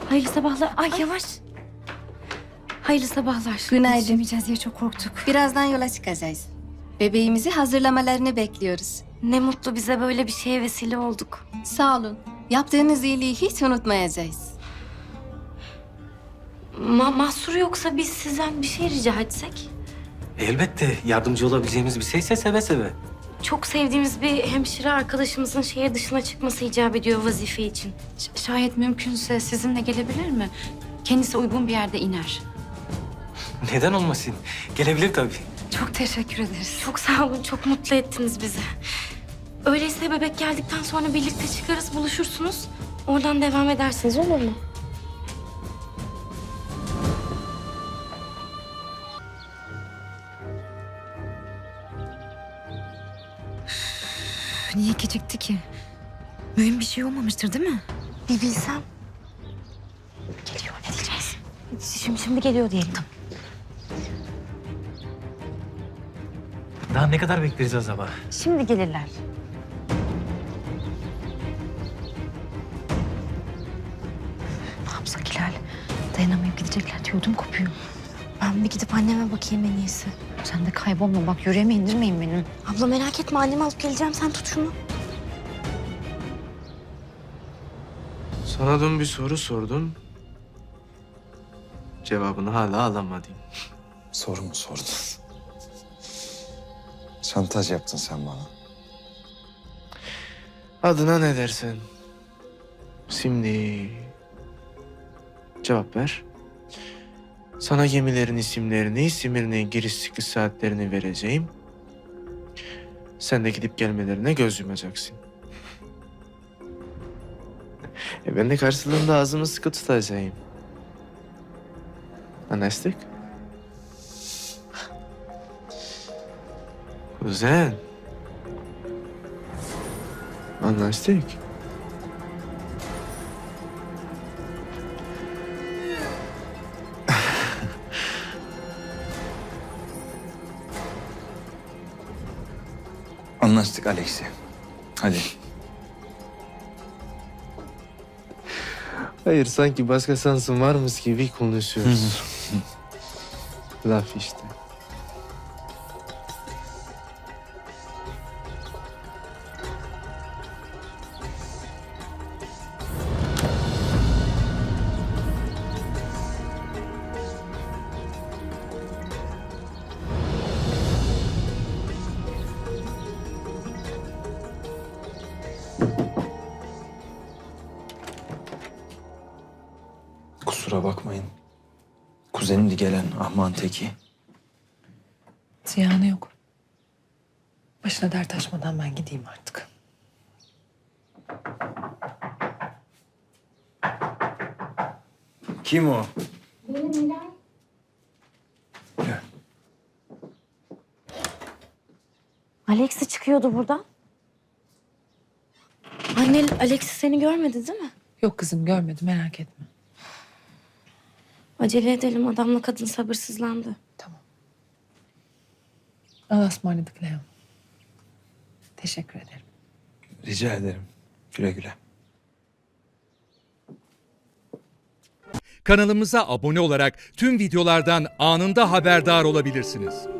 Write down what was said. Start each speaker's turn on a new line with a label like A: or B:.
A: Hayırlı sabahlar. Ay yavaş. Hayırlı sabahlar.
B: Günaydın.
A: Yetişemeyeceğiz diye çok korktuk.
B: Birazdan yola çıkacağız. Bebeğimizi hazırlamalarını bekliyoruz.
A: Ne mutlu bize böyle bir şeye vesile olduk.
B: Sağ olun. Yaptığınız iyiliği hiç unutmayacağız.
A: Mahsur yoksa biz sizden bir şey rica etsek?
C: Elbette yardımcı olabileceğimiz bir şeyse seve seve.
A: Çok sevdiğimiz bir hemşire arkadaşımızın şehir dışına çıkması icap ediyor vazife için.
D: Şayet mümkünse sizinle gelebilir mi? Kendisi uygun bir yerde iner.
C: Neden olmasın? Gelebilir tabii.
D: Çok teşekkür ederiz.
A: Çok sağ olun, çok mutlu ettiniz bizi. Öyleyse bebek geldikten sonra birlikte çıkarız, buluşursunuz. Oradan devam edersiniz, olur mu?
D: Niye gecikti ki? Mühim bir şey olmamıştır değil mi?
A: Bir bilsem.
D: Geliyor, ne diyeceğiz?
A: Şimdi geliyor diyelim.
C: Daha ne kadar bekleriz acaba?
D: Şimdi gelirler. Ne yapsak Hilal? Dayanamayıp gidecekler diye ödüm kopuyor.
A: Ben bir gidip anneme bakayım en iyisi.
D: Sen de kaybolma bak, yüreğime indirmeyin benim.
A: Abla merak etme, annemi alıp geleceğim. Sen tut şunu.
E: Sana dün bir soru sordum. Cevabını hala alamadım.
F: Soru mu sordun? Şantaj yaptın sen bana.
E: Adına ne dersen. Şimdi cevap ver. Sana gemilerin isimlerini, Simirne'nin giriş çıkış saatlerini vereceğim. Sen de gidip gelmelerine göz yumacaksın. Ben de karşılığında ağzımı sıkı tutacağım. Anlaştık? Güzel. Anlaştık.
F: Anlaştık Alexi. Hadi.
E: Hayır, sanki başka şansın varmış gibi konuşuyoruz. Laf işte.
F: Kusura bakmayın. Kuzenimdi gelen ahman teki.
G: Ziyanı yok. Başına dert açmadan ben gideyim artık.
F: Kim o? Gel.
A: Alex'i çıkıyordu buradan. Anne, Alex seni görmedi değil mi?
G: Yok kızım görmedim merak etme.
A: Acele edelim, adamla kadın sabırsızlandı.
G: Tamam. Allah'a ısmarladık Leon. Teşekkür ederim.
F: Rica ederim. Güle güle.
H: Kanalımıza abone olarak tüm videolardan anında haberdar olabilirsiniz.